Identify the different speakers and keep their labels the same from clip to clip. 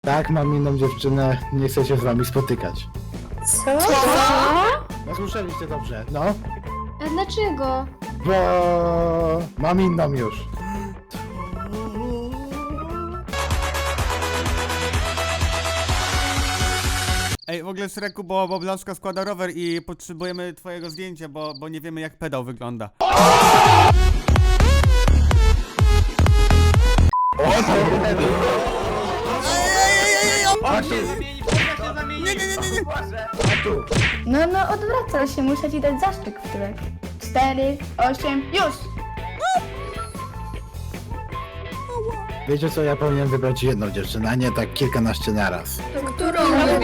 Speaker 1: Tak, mam inną dziewczynę, nie chcę się z wami spotykać.
Speaker 2: Co?
Speaker 1: No słyszeliście dobrze, no.
Speaker 2: A dlaczego?
Speaker 1: Bo mam inną już.
Speaker 3: Ej, w ogóle Szreku, bo Blaszka składa rower i potrzebujemy twojego zdjęcia, bo nie wiemy jak pedał wygląda.
Speaker 4: No, odwracaj się, muszę ci dać zaszczyt w tyłek. 4, 8, już!
Speaker 1: Wiecie co, ja powinienem wybrać jedną dziewczynę, a nie tak kilkanaście naraz.
Speaker 2: Którą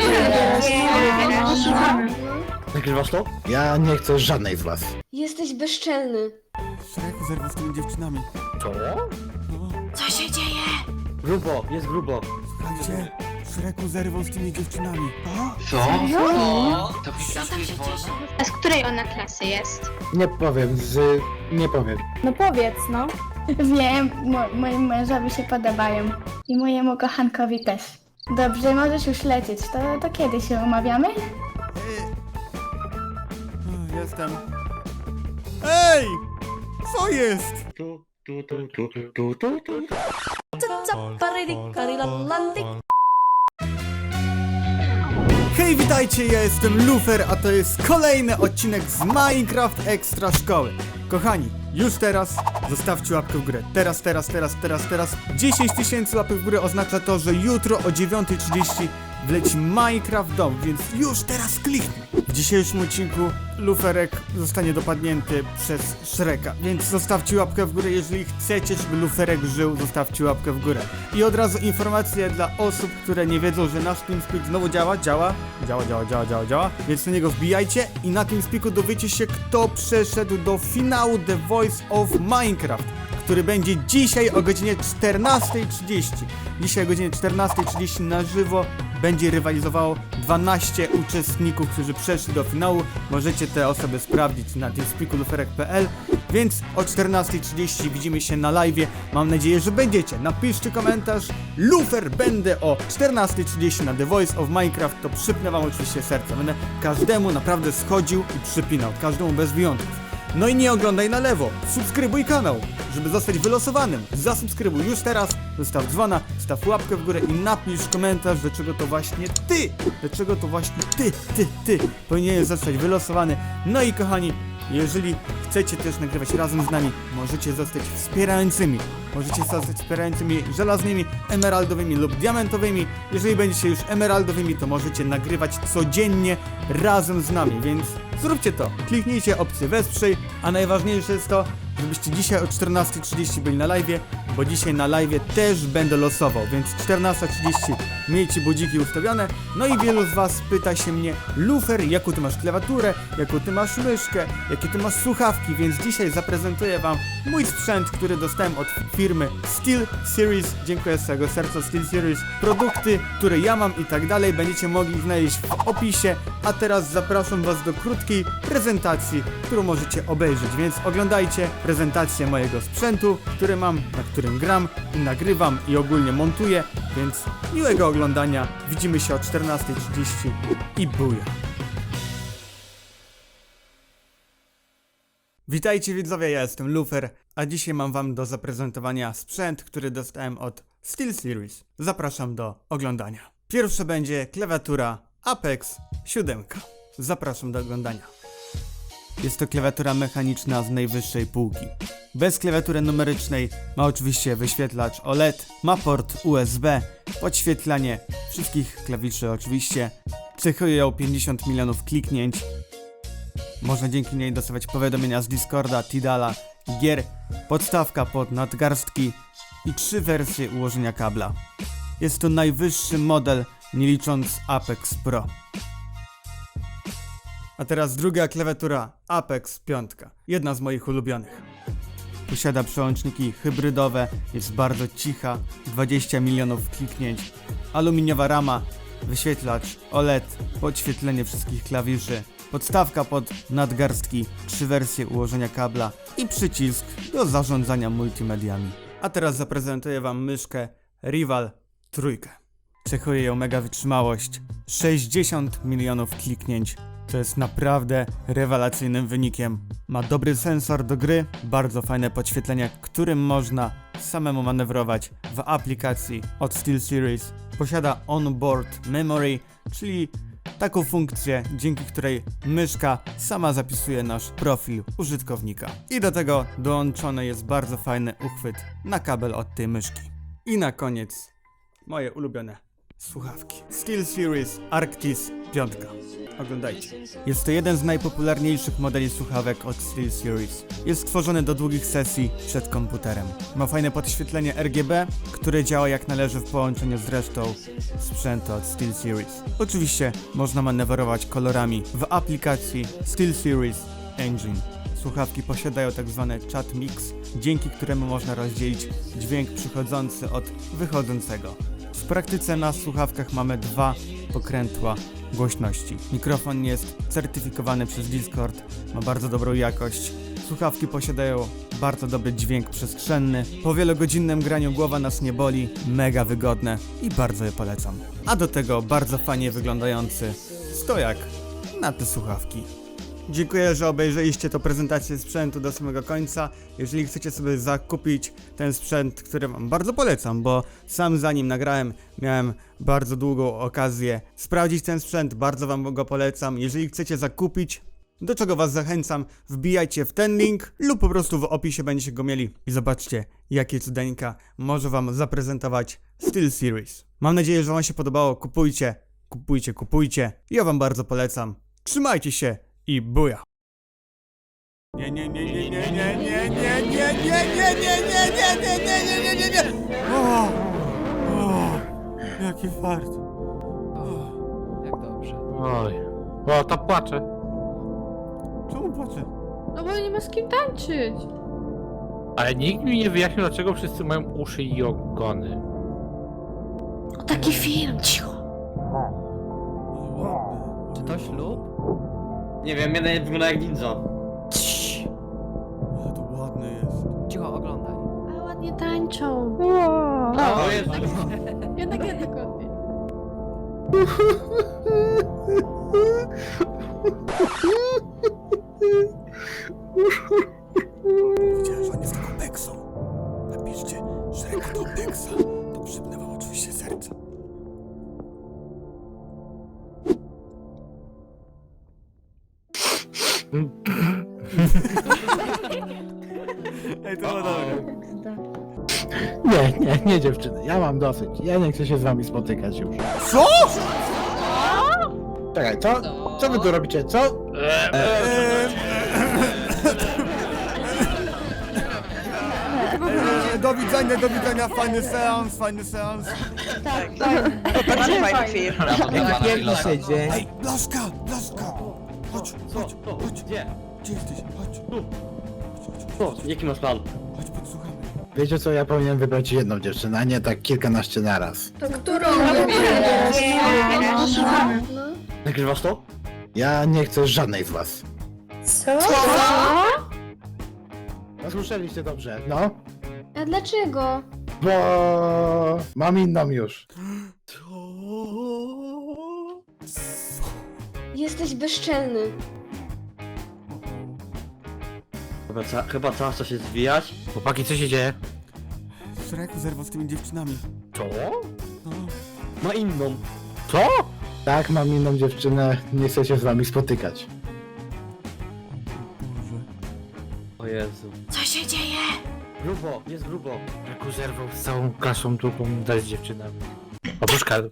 Speaker 1: Nagrywasz to? Ja nie chcę żadnej z was.
Speaker 2: Jesteś bezczelny.
Speaker 3: Szreku zerwał z tymi dziewczynami.
Speaker 1: Co?
Speaker 2: Co się dzieje?
Speaker 5: Grubo, jest grubo.
Speaker 3: Słuchajcie, Szreku zerwał z tymi dziewczynami.
Speaker 5: Co? To
Speaker 6: A z której ona klasy jest?
Speaker 1: Nie powiem, nie powiem.
Speaker 4: No powiedz, no. Wiem, moim mężowi się podobają. I mojemu kochankowi też. Dobrze, możesz już lecieć. To kiedy się umawiamy?
Speaker 3: Jestem. Ej! Co jest? Hej, witajcie, ja jestem Lufer, a to jest kolejny odcinek z Minecraft Extra Szkoły. Kochani, już teraz zostawcie łapkę w górę. Teraz. 10 000 łapek w górę oznacza to, że jutro o 9:30 wleci Minecraft Dom, więc już teraz kliknij. W dzisiejszym odcinku Luferek zostanie dopadnięty przez Shreka, więc zostawcie łapkę w górę, jeżeli chcecie, żeby Luferek żył, zostawcie łapkę w górę. I od razu informacje dla osób, które nie wiedzą, że nasz TeamSpeak znowu działa, więc na niego wbijajcie i na TeamSpeaku dowiecie się, kto przeszedł do finału The Voice of Minecraft, który będzie dzisiaj o godzinie 14:30. Dzisiaj o godzinie 14:30 na żywo będzie rywalizowało 12 uczestników, którzy przeszli do finału. Możecie te osoby sprawdzić na teamspeakuluferek.pl. Więc o 14:30 widzimy się na live'ie. Mam nadzieję, że będziecie. Napiszcie komentarz. Lufer, będę o 14:30 na The Voice of Minecraft. To przypnę wam oczywiście serce. Będę każdemu naprawdę schodził i przypinał. Każdemu bez wyjątków. No i nie oglądaj na lewo, subskrybuj kanał, żeby zostać wylosowanym. Zasubskrybuj już teraz, zostaw dzwona, staw łapkę w górę i napisz komentarz, dlaczego to właśnie ty powinieneś zostać wylosowany. No i kochani, jeżeli chcecie też nagrywać razem z nami, możecie zostać wspierającymi. Możecie zostać wspierającymi żelaznymi, emeraldowymi lub diamentowymi. Jeżeli będziecie już emeraldowymi, to możecie nagrywać codziennie razem z nami, więc zróbcie to. Kliknijcie opcję wesprzyj, a najważniejsze jest to, żebyście dzisiaj o 14:30 byli na live'ie, bo dzisiaj na live'ie też będę losował, więc 14:30 miejcie budziki ustawione. No i wielu z was pyta się mnie: Lufer, jaką ty masz klawiaturę, jaką ty masz myszkę, jakie ty masz słuchawki, więc dzisiaj zaprezentuję wam mój sprzęt, który dostałem od firmy SteelSeries. Dziękuję z całego serca SteelSeries. Produkty, które ja mam i tak dalej, będziecie mogli znaleźć w opisie. A teraz zapraszam was do krótkiej prezentacji, którą możecie obejrzeć, więc oglądajcie prezentację mojego sprzętu, który mam, na którym gram i nagrywam i ogólnie montuję, więc miłego oglądania. Widzimy się o 14:30 i buja. Witajcie widzowie, ja jestem Lufer, a dzisiaj mam wam do zaprezentowania sprzęt, który dostałem od SteelSeries. Zapraszam do oglądania. Pierwsze będzie klawiatura Apex 7. Zapraszam do oglądania. Jest to klawiatura mechaniczna z najwyższej półki. Bez klawiatury numerycznej, ma oczywiście wyświetlacz OLED, ma port USB, podświetlanie wszystkich klawiszy oczywiście, cechuje ją 50 milionów kliknięć. Można dzięki niej dostawać powiadomienia z Discorda, Tidala i gier, podstawka pod nadgarstki i 3 wersje ułożenia kabla. Jest to najwyższy model, nie licząc Apex Pro. A teraz druga klawiatura Apex 5, jedna z moich ulubionych. Posiada przełączniki hybrydowe, jest bardzo cicha, 20 milionów kliknięć, aluminiowa rama, wyświetlacz OLED, podświetlenie wszystkich klawiszy, podstawka pod nadgarstki, 3 wersje ułożenia kabla i przycisk do zarządzania multimediami. A teraz zaprezentuję wam myszkę Rival 3. Cechuje ją mega wytrzymałość. 60 milionów kliknięć. To jest naprawdę rewelacyjnym wynikiem. Ma dobry sensor do gry, bardzo fajne podświetlenie, którym można samemu manewrować w aplikacji od SteelSeries. Posiada onboard memory, czyli taką funkcję, dzięki której myszka sama zapisuje nasz profil użytkownika. I do tego dołączony jest bardzo fajny uchwyt na kabel od tej myszki. I na koniec moje ulubione słuchawki. SteelSeries Arctis 5. Oglądajcie. Jest to jeden z najpopularniejszych modeli słuchawek od SteelSeries. Jest stworzony do długich sesji przed komputerem. Ma fajne podświetlenie RGB, które działa jak należy w połączeniu z resztą sprzętu od SteelSeries. Oczywiście można manewrować kolorami w aplikacji SteelSeries Engine. Słuchawki posiadają tak zwany chat mix, dzięki któremu można rozdzielić dźwięk przychodzący od wychodzącego. W praktyce na słuchawkach mamy 2 pokrętła głośności. Mikrofon jest certyfikowany przez Discord, ma bardzo dobrą jakość. Słuchawki posiadają bardzo dobry dźwięk przestrzenny. Po wielogodzinnym graniu głowa nas nie boli, mega wygodne i bardzo je polecam. A do tego bardzo fajnie wyglądający stojak na te słuchawki. Dziękuję, że obejrzeliście tę prezentację sprzętu do samego końca. Jeżeli chcecie sobie zakupić ten sprzęt, który wam bardzo polecam, bo sam zanim nagrałem, miałem bardzo długą okazję sprawdzić ten sprzęt, bardzo wam go polecam. Jeżeli chcecie zakupić, do czego was zachęcam, wbijajcie w ten link lub po prostu w opisie będziecie go mieli i zobaczcie, jakie cudeńka może wam zaprezentować SteelSeries. Mam nadzieję, że wam się podobało. Kupujcie, kupujcie, kupujcie. Ja wam bardzo polecam. Trzymajcie się i buja! Nie, nie, nie, nie, nie, nie, nie, nie, nie, nie, nie, nie, nie, nie, nie, nie, nie, nie, nie, nie. O, jaki fart.
Speaker 5: Jak dobrze.
Speaker 1: Oj. O, to płacze.
Speaker 3: Czemu płaczę?
Speaker 7: No bo nie ma z kim tańczyć.
Speaker 8: Ale nikt mi nie wyjaśnił, dlaczego wszyscy mają uszy i ogony.
Speaker 2: Taki film, cicho.
Speaker 5: Czy to ślub? Nie wiem, mnie wygląda jak ninja.
Speaker 3: Ale to ładne jest.
Speaker 5: Cicho, oglądaj.
Speaker 7: Ale ładnie tańczą.
Speaker 5: O Jezu.
Speaker 7: Jednak ładnie.
Speaker 3: Widziałem, że on jest taką peksą. Napiszcie, że jako to peksa, to przypnę wam oczywiście serca. Ej, to było dobre.
Speaker 1: Nie dziewczyny, ja mam dosyć. Ja nie chcę się z wami spotykać już.
Speaker 3: Co?
Speaker 1: Czekaj, co? Co wy tu robicie, co?
Speaker 3: Do widzenia, fajny seans, fajny seans.
Speaker 9: Bardzo fajny film.
Speaker 5: Piękny siedzie.
Speaker 3: Ej, Blaszka, Blaszka! Chodź, chodź, chodź.
Speaker 5: Gdzie?
Speaker 3: Gdzie jesteś? Chodź.
Speaker 5: Co? Jaki masz plan?
Speaker 3: Chodź, podsłuchamy.
Speaker 1: Wiecie co, ja powinienem wybrać jedną dziewczynę, a nie tak kilkanaście naraz.
Speaker 2: To którą
Speaker 5: Nagrywasz to?
Speaker 1: Ja nie chcę żadnej z was.
Speaker 2: Co?
Speaker 1: No słyszeliście dobrze, no?
Speaker 2: A dlaczego?
Speaker 1: Bo mam inną już.
Speaker 2: Jesteś bezczelny.
Speaker 5: Chyba czas się zwijać.
Speaker 8: Chłopaki, co się dzieje?
Speaker 3: Szreku zerwał z tymi dziewczynami.
Speaker 8: Co?
Speaker 3: No.
Speaker 5: Ma inną.
Speaker 8: Co?
Speaker 1: Tak, mam inną dziewczynę, nie chcę się z wami spotykać.
Speaker 3: Boże.
Speaker 5: O Jezu.
Speaker 2: Co się dzieje?
Speaker 5: Grubo, jest grubo.
Speaker 8: Jaku zerwał z całą klasą drugą dać z dziewczynami. Oprócz Karol.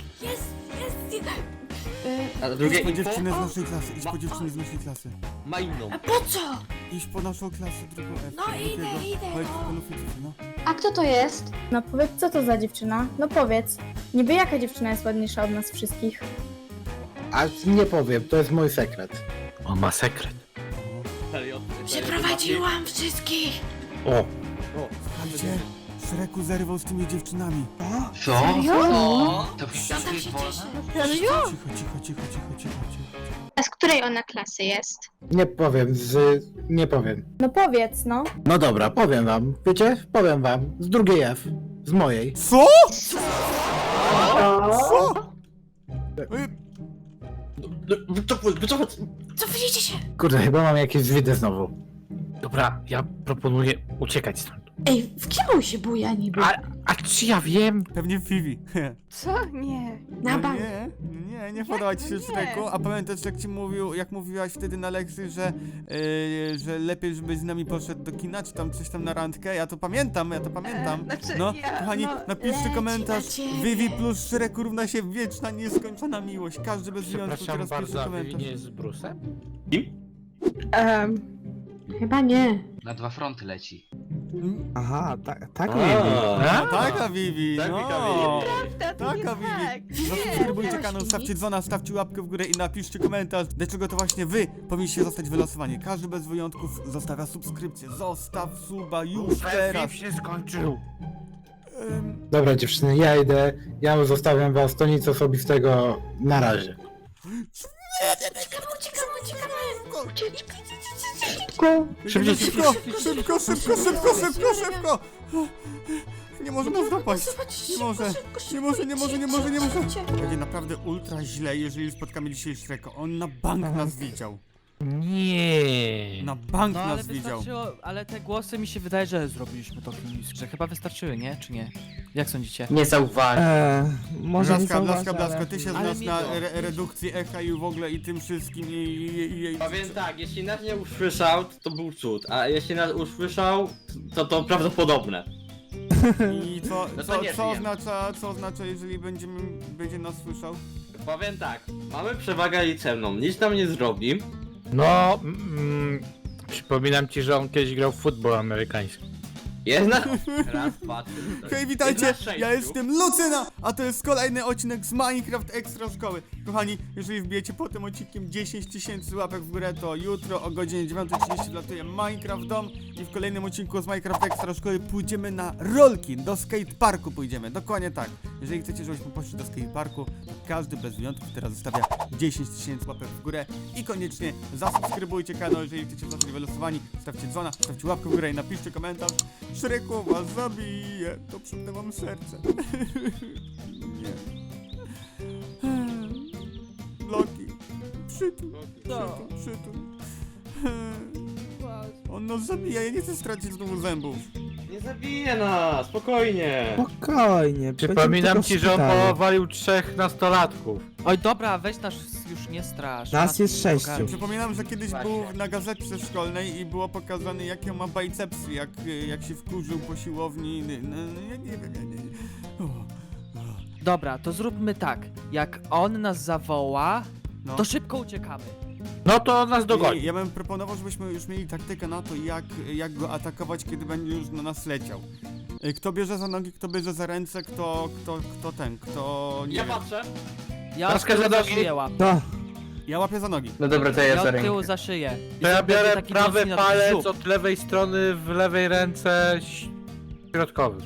Speaker 5: A drugie
Speaker 3: Idź po
Speaker 5: info?
Speaker 3: dziewczynę z naszej klasy, idź po dziewczynę z naszej klasy.
Speaker 5: Ma inną.
Speaker 2: Po co?
Speaker 3: Idź po naszą klasę, drugą F.
Speaker 2: No idę,
Speaker 3: Chodź,
Speaker 2: no.
Speaker 3: panu Fidzów, no.
Speaker 2: A kto to jest?
Speaker 4: No powiedz, co to za dziewczyna? No powiedz. Niby jaka dziewczyna jest ładniejsza od nas wszystkich?
Speaker 1: A nie powiem, to jest mój sekret.
Speaker 8: On ma sekret.
Speaker 5: Serio?
Speaker 2: Przeprowadziłam wszystkich.
Speaker 8: O!
Speaker 3: Słuchajcie, Szreku zerwał z tymi dziewczynami.
Speaker 5: Co? To
Speaker 2: Co tak się cieszy?
Speaker 3: Cicho, cicho, cicho, cicho, cicho.
Speaker 6: A z której ona klasy jest?
Speaker 1: Nie powiem.
Speaker 4: No powiedz, no.
Speaker 1: No dobra, powiem wam. Wiecie? Powiem wam. Z drugiej F. Z mojej.
Speaker 3: Co? Co?
Speaker 2: Cofnijcie się!
Speaker 1: Kurde, chyba mam jakieś zwidy znowu.
Speaker 8: Dobra, ja proponuję uciekać stąd.
Speaker 2: Ej, w kim on się buja niby?
Speaker 8: A czy ja wiem?
Speaker 3: Pewnie Vivi.
Speaker 7: Co? Nie.
Speaker 2: Na
Speaker 3: No
Speaker 2: bank.
Speaker 3: nie podoba ci się
Speaker 7: Nie.
Speaker 3: Szreku, a pamiętasz jak mówiłaś wtedy na lekcji, że lepiej żebyś z nami poszedł do kina, czy tam coś tam na randkę, ja to pamiętam.
Speaker 7: Znaczy,
Speaker 3: No,
Speaker 7: ja,
Speaker 3: kochani, napiszcie
Speaker 2: leci
Speaker 3: komentarz,
Speaker 2: na ciebie.
Speaker 3: Vivi plus Szreku równa się wieczna, nieskończona miłość, każdy bez wyjątku
Speaker 8: Przepraszam
Speaker 3: teraz pisze
Speaker 8: bardzo, a Vivi
Speaker 3: komentarz.
Speaker 8: nie jest z Brusem?
Speaker 7: Chyba nie.
Speaker 10: Na 2 fronty leci.
Speaker 1: Aha, tak
Speaker 3: No, taka Vivi, no. Taka Vivi. Zasubskrybujcie kanał, stawcie dzwona, stawcie łapkę w górę i napiszcie komentarz, dlaczego to właśnie wy powinniście zostać wylosowani. Każdy bez wyjątków zostawia subskrypcję. Zostaw suba już teraz.
Speaker 8: Film się skończył.
Speaker 1: Dobra dziewczyny, ja idę. Ja zostawiam was, to nic osobistego. Na razie.
Speaker 3: Szybko, szybko! Nie może nas dopaść. Nie może. Będzie naprawdę ultra źle, jeżeli spotkamy dzisiaj Shreka. On na bank nas widział.
Speaker 8: Nie.
Speaker 3: Na bank
Speaker 5: No ale
Speaker 3: nas widział.
Speaker 5: wystarczyło, ale te głosy mi się wydaje, że zrobiliśmy to w ministrze. Chyba wystarczyły, nie? Czy nie? Jak sądzicie? Nie zauważyłem.
Speaker 3: Blaska, ty się
Speaker 5: Ale
Speaker 3: znasz
Speaker 5: mi
Speaker 3: na
Speaker 5: to-
Speaker 3: redukcji echa i w ogóle i tym wszystkim i
Speaker 11: Powiem tak, jeśli nas nie usłyszał, to był cud, a jeśli nas usłyszał, to prawdopodobne.
Speaker 3: I
Speaker 11: No to nie
Speaker 3: co
Speaker 11: żyjemy.
Speaker 3: oznacza, jeżeli będzie nas słyszał?
Speaker 11: Powiem tak, mamy przewagę liczebną, nic nam nie zrobi.
Speaker 8: No, przypominam ci, że on kiedyś grał w futbol amerykański.
Speaker 11: Jest na... Raz, dwa, trzy,
Speaker 3: Hej, witajcie,
Speaker 11: Jest na 6.
Speaker 3: ja jestem Lucyna, a to jest kolejny odcinek z Minecraft Extra Szkoły. Kochani, jeżeli wbijecie po tym odcinkiem 10 000 łapek w górę, to jutro o godzinie 9:30 wlatuje Minecraft Dom i w kolejnym odcinku z Minecraft Extra Szkoły pójdziemy na rolki, do skateparku pójdziemy, dokładnie tak. Jeżeli chcecie, żebyśmy poszli do skateparku, to każdy bez wyjątków teraz zostawia 10 000 łapek w górę i koniecznie zasubskrybujcie kanał, jeżeli chcecie zostać wylosowani, stawcie dzwona, stawcie łapkę w górę i napiszcie komentarz. Szreku was zabije, to przypnę wam serce. Nie. Bloki. Przytul. On nas zabija, ja nie chcę stracić znowu zębów.
Speaker 11: Nie zabije nas, spokojnie.
Speaker 1: Spokojnie.
Speaker 8: Przypominam ci, że on powalił 3 nastolatków.
Speaker 5: Oj, dobra, weź nas już nie strasz.
Speaker 1: Nas jest 6.
Speaker 3: Przypominam, że kiedyś był na gazetce szkolnej i było pokazane, jakie ma bicepsy, jak się wkurzył po siłowni. No, ja nie wiem, ja nie.
Speaker 5: Dobra, to zróbmy tak. Jak on nas zawoła,
Speaker 3: No.
Speaker 5: to szybko uciekamy.
Speaker 8: No to on nas dogoni.
Speaker 3: Ja bym proponował, żebyśmy już mieli taktykę na to, jak go atakować, kiedy będzie już na nas leciał. Kto bierze za nogi, kto bierze za ręce, kto nie
Speaker 11: Ja
Speaker 3: wiem.
Speaker 11: patrzę.
Speaker 5: Ja
Speaker 8: Laska
Speaker 5: od tyłu
Speaker 8: za
Speaker 5: za
Speaker 8: nogi.
Speaker 5: szyję łapię.
Speaker 3: Ja łapię za nogi.
Speaker 11: No dobra, to
Speaker 5: Ja od tyłu za szyję.
Speaker 8: To ja
Speaker 5: Będzie
Speaker 8: biorę
Speaker 5: taki
Speaker 8: prawy
Speaker 5: mocny
Speaker 8: palec
Speaker 5: żuk.
Speaker 8: od lewej strony w lewej ręce środkowy.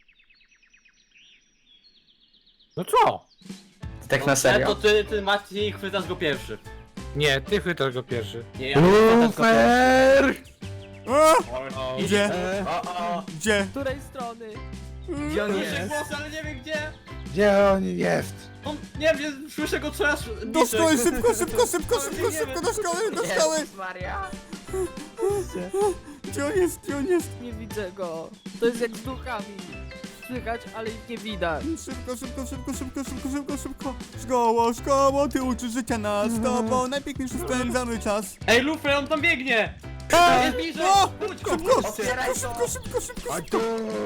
Speaker 8: No co?
Speaker 11: Tak na serio? To ty Mati, chwytasz go pierwszy.
Speaker 8: Nie, ty chwytasz go pierwszy.
Speaker 11: Nie, ja chwytasz go pierwszy.
Speaker 3: A! Gdzie? Gdzie?
Speaker 5: Z której strony?
Speaker 11: Gdzie on jest? Ale nie wiem gdzie.
Speaker 1: Gdzie on jest?
Speaker 11: On, nie wiem, słyszę go coraz
Speaker 3: Do
Speaker 11: bliżej.
Speaker 3: szkoły, szybko, do szkoły!
Speaker 5: Maria.
Speaker 3: Gdzie on jest?
Speaker 5: Nie widzę go. To jest jak z duchami. Słychać, ale ich nie widać.
Speaker 3: Szybko! Szkoło, ty uczysz życia nas, z tobą najpiękniejszy spędzamy czas.
Speaker 11: Ej, Luffy, on tam biegnie! Jest bliżej!
Speaker 3: No!
Speaker 11: Budź go,
Speaker 3: Szybko!
Speaker 11: budź go!
Speaker 3: Szybko!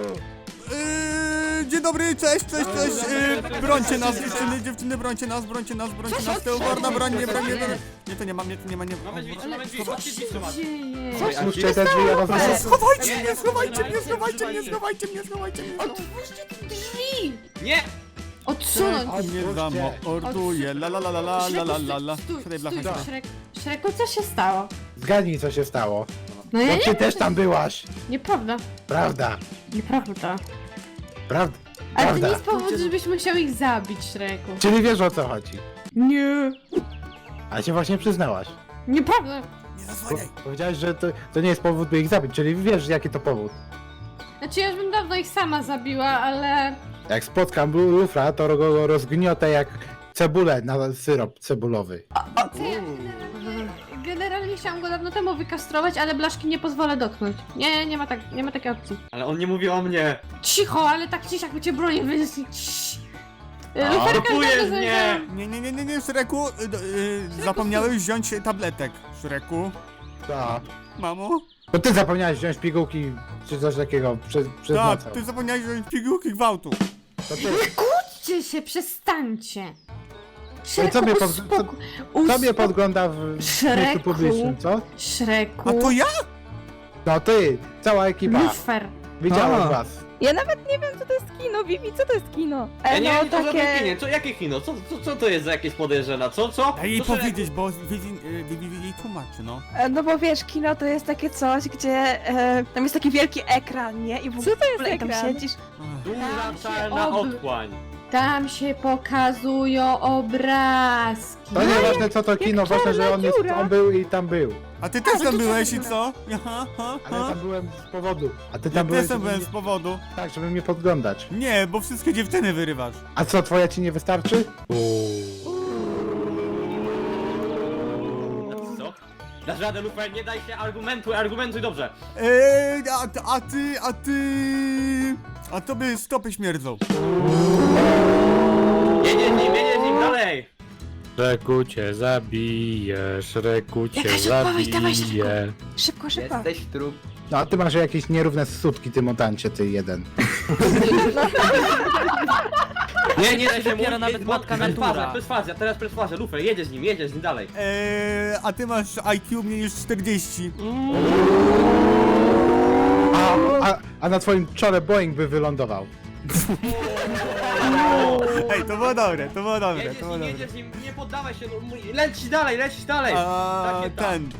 Speaker 3: Dzień dobry, cześć! Brońcie nas, dziewczyny, brońcie nas, to uporna broń, nie. Nie, to nie ma.
Speaker 11: Mamy drzwi, chodźcie drzwi trzymać.
Speaker 1: Puszczę te drzwi, ja was
Speaker 3: Schowajcie mnie!
Speaker 2: Otwórzcie te drzwi!
Speaker 11: Nie!
Speaker 7: Odsunąć!
Speaker 3: Nie zamorduje, la. Siadaj, blacha.
Speaker 7: Szreku, co się stało?
Speaker 1: Zgadnij, co się stało.
Speaker 7: No ja
Speaker 1: No ty też tam byłaś.
Speaker 7: Nieprawda.
Speaker 1: Prawda.
Speaker 7: Nieprawda.
Speaker 1: Prawda.
Speaker 7: Ale to
Speaker 1: Prawda.
Speaker 7: nie jest powód, żebyśmy chciały ich zabić, Szreku.
Speaker 1: Czyli wiesz, o co chodzi.
Speaker 7: Nie.
Speaker 1: A się właśnie przyznałaś.
Speaker 7: Nieprawda.
Speaker 3: Nie zasłaniaj!
Speaker 1: Powiedziałeś, że to nie jest powód, by ich zabić, czyli wiesz, jaki to powód.
Speaker 7: Znaczy ja już bym dawno ich sama zabiła, ale
Speaker 1: Jak spotkam lufra, to go rozgniotę jak cebulę na syrop cebulowy.
Speaker 7: Generalnie chciałam go dawno temu wykastrować, ale blaszki nie pozwolę dotknąć. Nie, nie ma takiej opcji.
Speaker 11: Ale on nie mówi o mnie.
Speaker 7: Cicho, ale tak ci jakby cię bronię wynieśli. Luferka
Speaker 11: Blokujesz mnie!
Speaker 3: Nie, Szreku, zapomniałeś wziąć tabletek, Szreku.
Speaker 1: Tak.
Speaker 3: Mamo?
Speaker 1: To ty zapomniałeś wziąć pigułki czy coś takiego przed
Speaker 3: Tak,
Speaker 1: nocą.
Speaker 3: ty zapomniałeś wziąć pigułki gwałtu.
Speaker 1: To ty.
Speaker 7: Kłóćcie się, przestańcie.
Speaker 1: No i co mnie, co mnie
Speaker 7: Uspokój-
Speaker 1: podgląda w miejscu
Speaker 7: Szreku.
Speaker 1: publicznym, co?
Speaker 7: Szreku.
Speaker 3: A to ja?
Speaker 1: No ty, cała ekipa.
Speaker 7: Lufer.
Speaker 1: Widziałem was.
Speaker 9: Ja nawet nie wiem, co to jest kino, Vivi, co to jest kino?
Speaker 11: Ja nie wiem, co za kinie, jakie kino? Co to jest za jakieś podejrzane? Co?
Speaker 3: Daj jej
Speaker 11: Co, że-
Speaker 3: powiedzieć, bo Vivi jej tłumaczy, no.
Speaker 9: No bo wiesz, kino to jest takie coś, gdzie tam jest taki wielki ekran, nie? I w ogóle tam siedzisz.
Speaker 11: Duża
Speaker 7: Tam się
Speaker 11: czarna
Speaker 7: ob-
Speaker 11: otchłań.
Speaker 7: Tam się pokazują obrazki.
Speaker 1: To nieważne co to kino, ważne, że on był i tam był.
Speaker 3: A ty też tam byłeś i co? Aha,
Speaker 1: Ale ja tam byłem z powodu. A ty
Speaker 3: Ja
Speaker 1: tam byłeś,
Speaker 3: też tam
Speaker 1: żeby
Speaker 3: byłem
Speaker 1: mnie,
Speaker 3: z powodu.
Speaker 1: tak, żeby mnie podglądać.
Speaker 3: Nie, bo wszystkie dziewczyny wyrywasz.
Speaker 1: A co, twoja ci nie wystarczy?
Speaker 11: Co? Dasz radę, Lufer, nie daj się, argumentuj dobrze.
Speaker 3: A tobie stopy śmierdzą.
Speaker 11: Jedzie z nim, dalej.
Speaker 8: Szreku cię zabije, Szreku cię
Speaker 2: Jakaś odpowiedź, dawaj
Speaker 8: zabije.
Speaker 9: Szybko.
Speaker 11: trup.
Speaker 1: No a ty masz jakieś nierówne sutki, ty mutancie, ty jeden.
Speaker 11: Nie daj się
Speaker 5: Dopiero
Speaker 11: mówić,
Speaker 5: nawet matka natura.
Speaker 11: Perswazja, teraz perswazja, Lufer, jedzie z nim dalej.
Speaker 3: A ty masz IQ mniej niż 40.
Speaker 1: A na twoim czole Boeing by wylądował.
Speaker 3: Ej, to było dobre, to było dobre,
Speaker 11: Jedziesz
Speaker 3: to było dobre.
Speaker 11: jedziesz z nim, nie poddawaj się, no, lecisz dalej.
Speaker 3: A
Speaker 11: Takie tam.
Speaker 3: ten.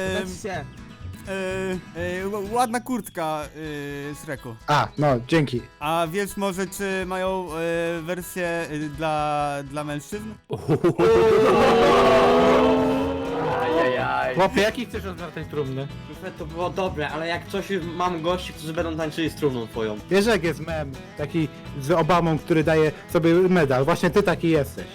Speaker 3: Ładna kurtka, Szreku.
Speaker 1: A, no, dzięki.
Speaker 3: A wiesz może, czy mają wersję dla mężczyzn?
Speaker 11: Ajajaj.
Speaker 8: Chłopie, jaki chcesz otwartej trumny?
Speaker 11: Lufer, to było dobre, ale jak coś mam gości, którzy będą tańczyli z trumną twoją.
Speaker 1: Wiesz jak jest mem, taki z Obamą, który daje sobie medal. Właśnie ty taki jesteś.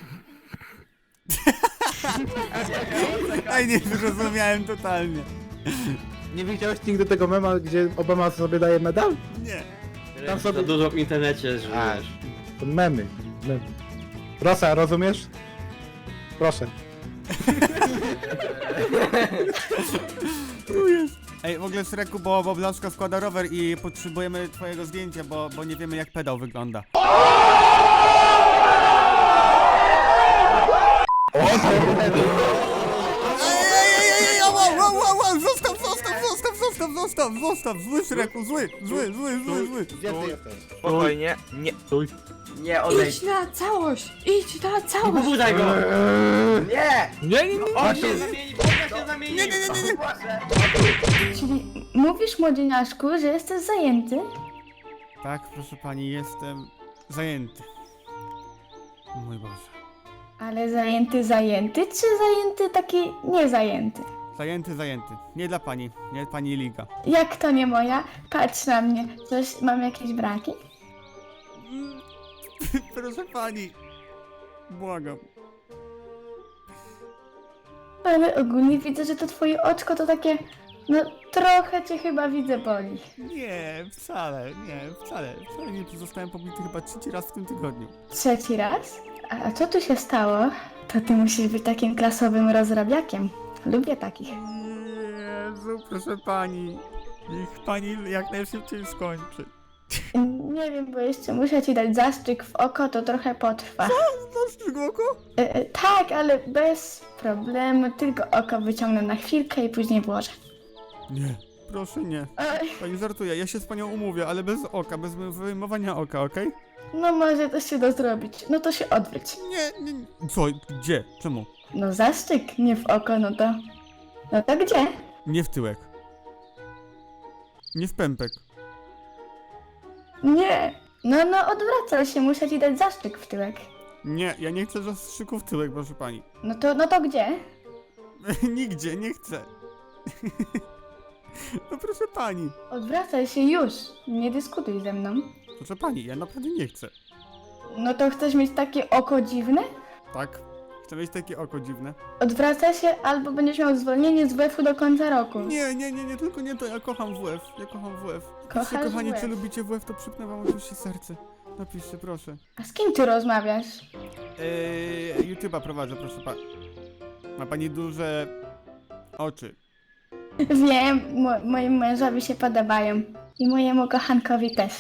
Speaker 3: Ej, nie zrozumiałem totalnie.
Speaker 1: Nie widziałeś nigdy tego mema, gdzie Obama sobie daje medal?
Speaker 3: Nie.
Speaker 1: Tam sobie-
Speaker 11: Za dużo w internecie, że
Speaker 1: A.
Speaker 11: wiesz.
Speaker 1: To memy. Rosa, rozumiesz? Proszę.
Speaker 3: Ej, w ogóle Szreku, bo Blaszka składa rower i potrzebujemy twojego zdjęcia, bo nie wiemy jak pedał wygląda. Ej, wow, zostaw, zły Szreku, zły.
Speaker 1: Gdzie ty jesteś?
Speaker 9: Spokojnie, nie.
Speaker 11: Nie, odejdź.
Speaker 7: Idź na całość. Idź na
Speaker 11: Nie
Speaker 7: całość.
Speaker 11: pobudzaj go! Nie!
Speaker 8: Nie.
Speaker 11: On się zamieni,
Speaker 3: Nie.
Speaker 4: Czyli mówisz, młodzieniaszku, że jesteś zajęty?
Speaker 3: Tak, proszę pani, jestem zajęty. Mój Boże.
Speaker 4: Ale zajęty, czy zajęty taki niezajęty?
Speaker 3: Zajęty. Nie dla pani, nie pani liga.
Speaker 4: Jak to nie moja? Patrz na mnie. Coś, mam jakieś braki?
Speaker 3: Proszę pani. Błagam.
Speaker 4: Ale ogólnie widzę, że to twoje oczko to takie... No trochę cię chyba widzę boli.
Speaker 3: Nie, wcale. Wcale nie zostałem pobity chyba 3 raz w tym tygodniu.
Speaker 4: 3 raz? A co tu się stało? To ty musisz być takim klasowym rozrabiakiem. Lubię takich.
Speaker 3: Jezu, proszę pani. Niech pani jak najszybciej skończy.
Speaker 4: Nie wiem, bo jeszcze muszę ci dać zastrzyk w oko, to trochę potrwa.
Speaker 3: Zastrzyk oko?
Speaker 4: Tak, ale bez problemu. Tylko oko wyciągnę na chwilkę i później włożę.
Speaker 3: Nie, proszę nie.
Speaker 4: Oj,
Speaker 3: Pani żartuje, ja się z panią umówię, ale bez oka, bez wyjmowania oka, okej?
Speaker 4: no może to się da zrobić. No to się odwróć.
Speaker 3: Nie. Co? Gdzie? Czemu?
Speaker 4: No zastrzyk, nie w oko, no to... No to gdzie?
Speaker 3: Nie w tyłek. Nie w pępek.
Speaker 4: Nie. No odwracaj się, muszę ci dać zastrzyk w tyłek.
Speaker 3: Nie, ja nie chcę zastrzyku w tyłek, proszę pani.
Speaker 4: No to gdzie?
Speaker 3: Nigdzie, nie chcę. No proszę pani.
Speaker 4: Odwracaj się już. Nie dyskutuj ze mną.
Speaker 3: Proszę pani, ja naprawdę nie chcę.
Speaker 4: No to chcesz mieć takie oko dziwne?
Speaker 3: Tak? Chcę mieć takie oko dziwne.
Speaker 4: Odwraca się albo będziesz miał zwolnienie z WF-u do końca roku.
Speaker 3: Nie, tylko nie to, ja kocham WF, ja kocham WF. Napiszcie,
Speaker 4: Kochasz
Speaker 3: kochani,
Speaker 4: WF.
Speaker 3: czy lubicie WF, to przypnę wam oczywiście serce. Napiszcie, proszę.
Speaker 4: A z kim ty rozmawiasz?
Speaker 3: YouTube'a prowadzę, proszę pani. Ma pani duże oczy.
Speaker 4: Wiem, moim mężowi się podobają. I mojemu kochankowi też.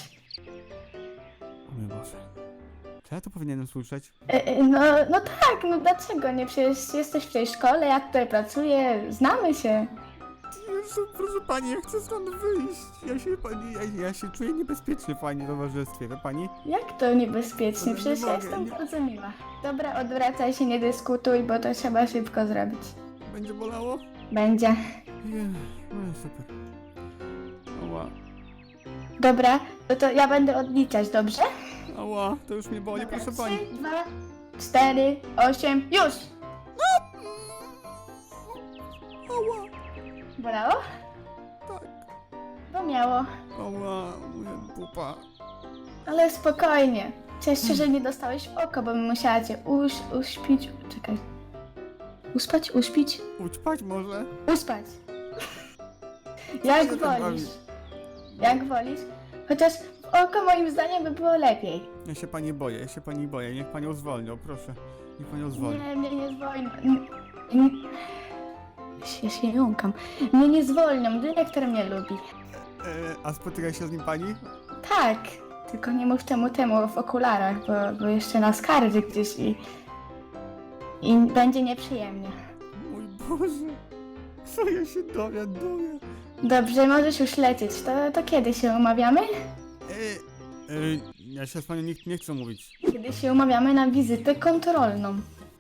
Speaker 3: O mój Boże. Czy ja to powinienem słyszeć?
Speaker 4: No tak, no dlaczego nie? Przecież jesteś w tej szkole, ja tutaj pracuję, znamy się.
Speaker 3: Jezu, proszę pani, ja chcę stąd wyjść. Ja się czuję niebezpiecznie w pani towarzystwie, wie pani?
Speaker 4: Jak to niebezpiecznie?
Speaker 3: No,
Speaker 4: Przecież
Speaker 3: nie
Speaker 4: ja
Speaker 3: mogę,
Speaker 4: jestem
Speaker 3: nie-
Speaker 4: bardzo miła. Dobra, odwracaj się, nie dyskutuj, bo to trzeba szybko zrobić.
Speaker 3: Będzie bolało?
Speaker 4: Będzie.
Speaker 3: No super. Ała,
Speaker 4: Dobra, to ja będę odliczać, dobrze?
Speaker 3: ała, to już mnie boli,
Speaker 4: Dobra,
Speaker 3: proszę pani.
Speaker 4: 3, 2, 4, 8, już!
Speaker 3: Ała,
Speaker 4: Bolało?
Speaker 3: tak,
Speaker 4: Bo miało.
Speaker 3: ała, moja pupa.
Speaker 4: Ale spokojnie. Cieszę się, że nie dostałeś w oko, bo bym musiała cię uśpić. Czekaj. Uspać? Uśpić?
Speaker 3: Ućpać może?
Speaker 4: Uspać. Jak
Speaker 3: się tak
Speaker 4: wolisz. Jak wolisz. Chociaż w oko moim zdaniem by było lepiej.
Speaker 3: Ja się pani boję, niech panią zwolnią, proszę. Niech panią zwolnią.
Speaker 4: Nie, mnie nie zwolnią. Ja się jąkam. Mnie nie zwolnią, dyrektor mnie lubi.
Speaker 3: A spotyka się z nim pani?
Speaker 4: Tak, tylko nie mów temu w okularach, bo jeszcze nas skardzi gdzieś i będzie nieprzyjemnie.
Speaker 3: Mój Boże, co ja się dowiaduję?
Speaker 4: Dobrze, możesz już lecieć. To kiedy się umawiamy?
Speaker 3: Ja się z panią nie chcę mówić.
Speaker 4: Kiedy się umawiamy na wizytę kontrolną.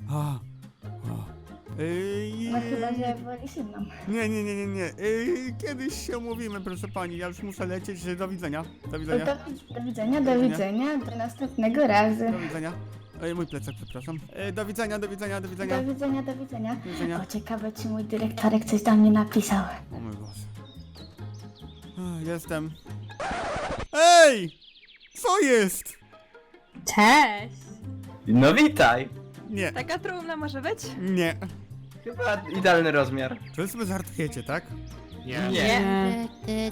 Speaker 4: No chyba, że wolisz inną.
Speaker 3: Nie. Kiedyś się umówimy, proszę pani. Ja już muszę lecieć. Do widzenia. Do widzenia.
Speaker 4: Do widzenia, do następnego razu.
Speaker 3: Do widzenia. Mój plecak, przepraszam. Do widzenia.
Speaker 4: Do widzenia.
Speaker 3: Do widzenia.
Speaker 4: O, ciekawe, czy mój dyrektorek coś do mnie napisał.
Speaker 3: O mój Boże. Jestem. Ej! Co jest?
Speaker 7: Cześć!
Speaker 11: No witaj!
Speaker 3: Nie,
Speaker 9: Taka trumna może być?
Speaker 3: nie.
Speaker 11: Chyba idealny rozmiar.
Speaker 3: Czy sobie żartujecie, tak?
Speaker 8: Nie.
Speaker 7: Nie.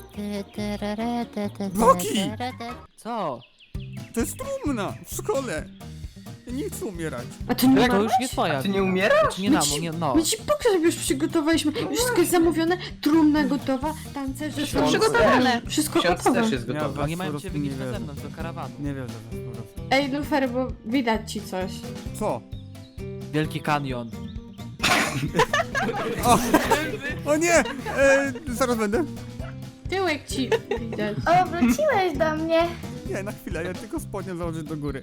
Speaker 3: Boki!
Speaker 5: Co?
Speaker 3: To jest trumna w szkole. Ja nie chcę umierać.
Speaker 7: A ty nie
Speaker 5: To
Speaker 7: ma?
Speaker 5: już nie twoja.
Speaker 11: Ty nie umierasz?
Speaker 5: Znaczy nie no.
Speaker 7: My ci pogrzeb już przygotowaliśmy. Już wszystko jest zamówione, trumna gotowa, tancerze
Speaker 11: Ksiądz
Speaker 7: są
Speaker 9: przygotowane.
Speaker 7: Wszystko
Speaker 11: Ksiądz
Speaker 7: gotowe.
Speaker 11: też jest
Speaker 3: Ja
Speaker 11: gotowy.
Speaker 3: was
Speaker 5: Nie mają
Speaker 3: po
Speaker 5: cię
Speaker 3: prostu nie
Speaker 5: wynieść na
Speaker 3: wierzę.
Speaker 5: zewnątrz do karawanu.
Speaker 3: Nie wierzę w was po prostu.
Speaker 7: Ej, Lufer, bo widać ci coś.
Speaker 3: Co?
Speaker 5: Wielki kanion.
Speaker 3: O nie! Zaraz będę.
Speaker 7: Tyłek ci widać.
Speaker 4: O, wróciłeś do mnie.
Speaker 3: Nie, na chwilę, ja tylko spodnie założę do góry.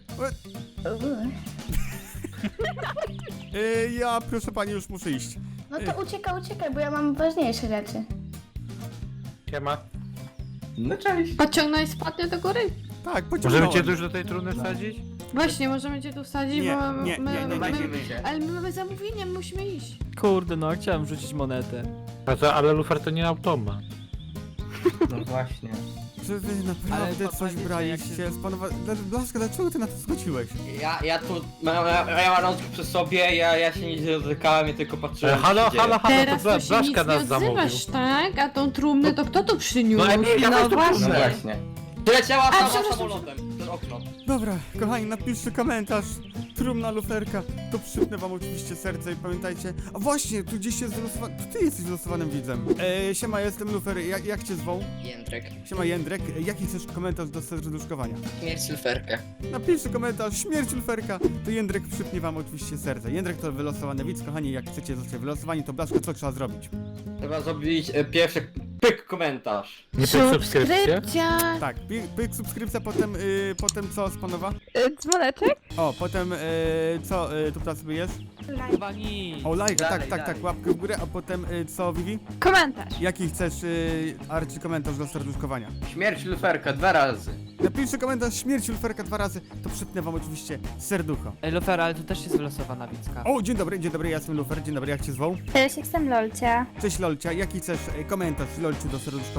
Speaker 3: Ja, proszę pani, już muszę iść.
Speaker 4: No to uciekaj, bo ja mam ważniejsze rzeczy.
Speaker 8: Siema.
Speaker 11: No cześć.
Speaker 7: Podciągnąć spodnie do góry?
Speaker 3: Tak, pociągnąłem.
Speaker 8: Możemy cię tu już do tej trumny wsadzić?
Speaker 7: Właśnie, możemy cię tu wsadzić,
Speaker 3: Nie,
Speaker 7: bo
Speaker 3: nie, nie, nie,
Speaker 11: Bawimy się.
Speaker 7: Ale my mamy zamówienie, my musimy iść.
Speaker 5: Kurde, no chciałem rzucić monetę.
Speaker 8: A co, ale lufer to nie automa.
Speaker 11: No właśnie.
Speaker 3: Czy wy
Speaker 5: Ale
Speaker 3: naprawdę
Speaker 5: to
Speaker 3: coś
Speaker 5: powiedzcie,
Speaker 3: braliście? Blaszka, dlaczego ty na to zgodziłeś?
Speaker 11: Ja tu mam rączkę przy sobie, ja się nie dotykałem, ja tylko patrzyłem.
Speaker 8: Halo,
Speaker 11: co się dzieje.
Speaker 7: Teraz
Speaker 8: to
Speaker 7: to się nic
Speaker 8: Blaszka
Speaker 7: nie
Speaker 8: nas zamówił.
Speaker 7: odzywasz, tak? A tą trumnę to kto tu przyniósł?
Speaker 8: No Emilia, weź tu
Speaker 11: No
Speaker 8: trumnę.
Speaker 11: właśnie. Przyleciała sama
Speaker 7: przepraszam.
Speaker 11: samolotem przez okno.
Speaker 3: Dobra, kochani, napiszcie komentarz. Trumna luferka, to przypnę wam oczywiście serce i pamiętajcie. A właśnie, tu gdzieś jest wylosowany. To ty jesteś wylosowanym widzem. Siema, jestem Lufer. Jak cię zwą?
Speaker 11: Jędrek.
Speaker 3: Siema Jędrek. Jaki chcesz komentarz do serduszkowania?
Speaker 11: Śmierć luferka.
Speaker 3: Napiszcie komentarz, śmierć luferka. To Jędrek przypnie wam oczywiście serce. Jędrek to wylosowany widz, kochani, jak chcecie zostać wylosowani, to Blaszka, co trzeba zrobić?
Speaker 11: Trzeba zrobić pierwszy pyk komentarz.
Speaker 8: Nie pyk subskrypcję?
Speaker 3: Tak, pyk subskrypcja, potem co, Spanowa?
Speaker 9: Dzwoneczek?
Speaker 3: O, potem co tu teraz sobie jest?
Speaker 5: Chyba nic.
Speaker 3: O, lajka,
Speaker 11: Dalej,
Speaker 3: tak,
Speaker 11: dalej.
Speaker 3: łapkę w górę, a potem co, Vivi?
Speaker 9: Komentarz.
Speaker 3: Jaki chcesz, Arci, komentarz do serduszkowania?
Speaker 11: Śmierć luferka 2 razy.
Speaker 3: Napiszcie komentarz śmierci luferka 2 razy, to przypnę wam oczywiście serducho.
Speaker 5: Ej, Lufer, ale tu też jest wylosowana widzka.
Speaker 3: O, dzień dobry, ja jestem Lufer, dzień dobry, jak cię zwą?
Speaker 4: Cześć, jestem Lolcia.
Speaker 3: Cześć Lolcia, jaki chcesz komentarz Lolciu do serduszkowania?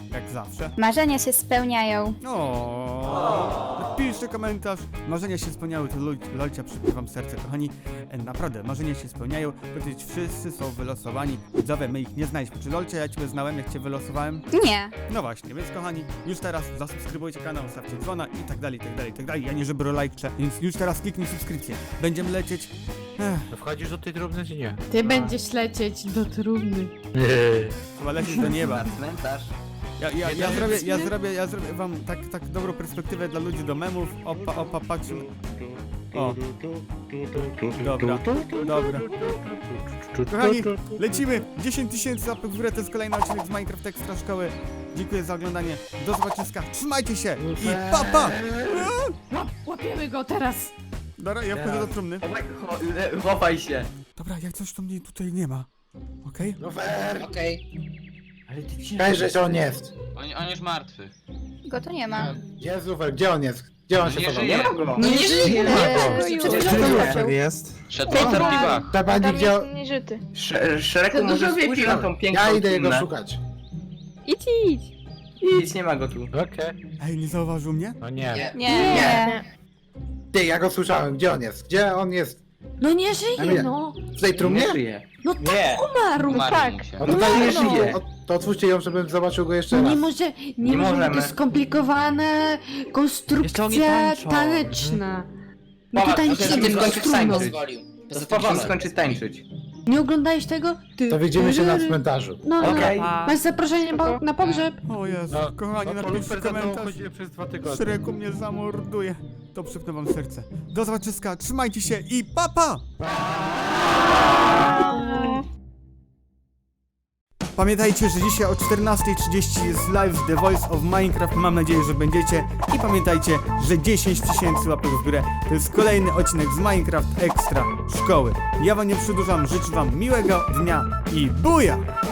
Speaker 3: jak zawsze.
Speaker 4: Marzenia się spełniają.
Speaker 3: O, piszcie komentarz. Marzenia się spełniały, to Lolcia przypływa wam serce, kochani. Naprawdę, marzenia się spełniają. Powiedzieć, wszyscy są wylosowani. Widzowie, my ich nie znaliśmy. Czy Lolcia, ja ciebie znałem, jak cię wylosowałem?
Speaker 4: Nie.
Speaker 3: No właśnie, więc kochani, już teraz zasubskrybujcie kanał, stawcie dzwona i tak dalej, i tak dalej, i tak dalej. Ja nie żebro lajkcze, więc już teraz kliknij subskrypcję. Będziemy lecieć.
Speaker 8: No wchodzisz do tej trumny czy nie?
Speaker 7: Ty będziesz lecieć do trumny.
Speaker 3: Chyba lecieć do nieba.
Speaker 11: Cmentarz.
Speaker 3: Ja zrobię wam tak dobrą perspektywę dla ludzi do memów. Opa, patrzymy. O. Dobra. Kochani, lecimy! 10 000 łapek w górę, to jest kolejny odcinek z Minecraft Extra Szkoły. Dziękuję za oglądanie. Do zobaczenia. Trzymajcie się i pa!
Speaker 7: Łapiemy go teraz.
Speaker 3: Dobra, ja wchodzę do trumny.
Speaker 11: Chowaj się.
Speaker 3: Dobra, jak coś to mnie tutaj nie ma. Okej?
Speaker 1: Lufer!
Speaker 11: Ale ty ci...
Speaker 1: Weź, że on jest.
Speaker 10: On już martwy.
Speaker 4: Go tu nie ma.
Speaker 1: Gdzie jest Lufer? Gdzie on jest? Gdzie on się
Speaker 10: Nie
Speaker 1: chował?
Speaker 10: żyje.
Speaker 4: Nie żyje. Przed chwilą
Speaker 1: jest?
Speaker 10: Szedł po piwach.
Speaker 1: Tabani, gdzie on...
Speaker 4: nieżyty.
Speaker 11: Szeregu może spójrz na tą piękną
Speaker 1: Ja idę jego
Speaker 11: trumnę.
Speaker 1: szukać.
Speaker 9: Idź.
Speaker 11: Nic, nie ma go tu.
Speaker 8: Okej.
Speaker 3: Ej, nie zauważył mnie?
Speaker 8: No nie.
Speaker 4: Nie.
Speaker 1: Ty, ja go słyszałem. Gdzie on jest? Gdzie on jest?
Speaker 7: No nie żyje, no.
Speaker 1: W tej trumnie?
Speaker 11: Nie żyje.
Speaker 7: No
Speaker 11: Nie.
Speaker 7: umarł.
Speaker 10: Umarł mu się.
Speaker 1: O, to tak
Speaker 11: nie żyje.
Speaker 1: To otwórzcie ją, żebym zobaczył go jeszcze
Speaker 7: No
Speaker 1: raz.
Speaker 7: nie może, nie
Speaker 11: Nie
Speaker 7: może być
Speaker 11: możemy.
Speaker 7: to skomplikowane
Speaker 5: Jeszcze oni
Speaker 7: konstrukcja
Speaker 5: tańczą.
Speaker 7: taneczna. My
Speaker 11: Powa-
Speaker 7: tutaj
Speaker 11: to
Speaker 7: nic
Speaker 11: ty
Speaker 7: nie
Speaker 11: skończysz
Speaker 7: strumną.
Speaker 11: tańczyć. To powoli skończy tańczyć.
Speaker 7: Nie oglądałeś tego?
Speaker 1: To widzimy się na cmentarzu.
Speaker 7: No,
Speaker 11: Okej.
Speaker 7: masz zaproszenie na pogrzeb.
Speaker 3: O Jezu,
Speaker 8: No,
Speaker 3: kochani,
Speaker 8: no,
Speaker 3: napiszcie
Speaker 8: Lufer za mną
Speaker 3: komentarz.
Speaker 8: chodzili przez 2 tygodnie.
Speaker 3: Szreku mnie zamorduje. To przypnę wam serce. Do zobaczyska, trzymajcie się i pa! Pamiętajcie, że dzisiaj o 14:30 jest live z The Voice of Minecraft. Mam nadzieję, że będziecie. I pamiętajcie, że 10 000 łapek w górę to jest kolejny odcinek z Minecraft Extra Szkoły. Ja wam nie przedłużam, życzę wam miłego dnia i buja!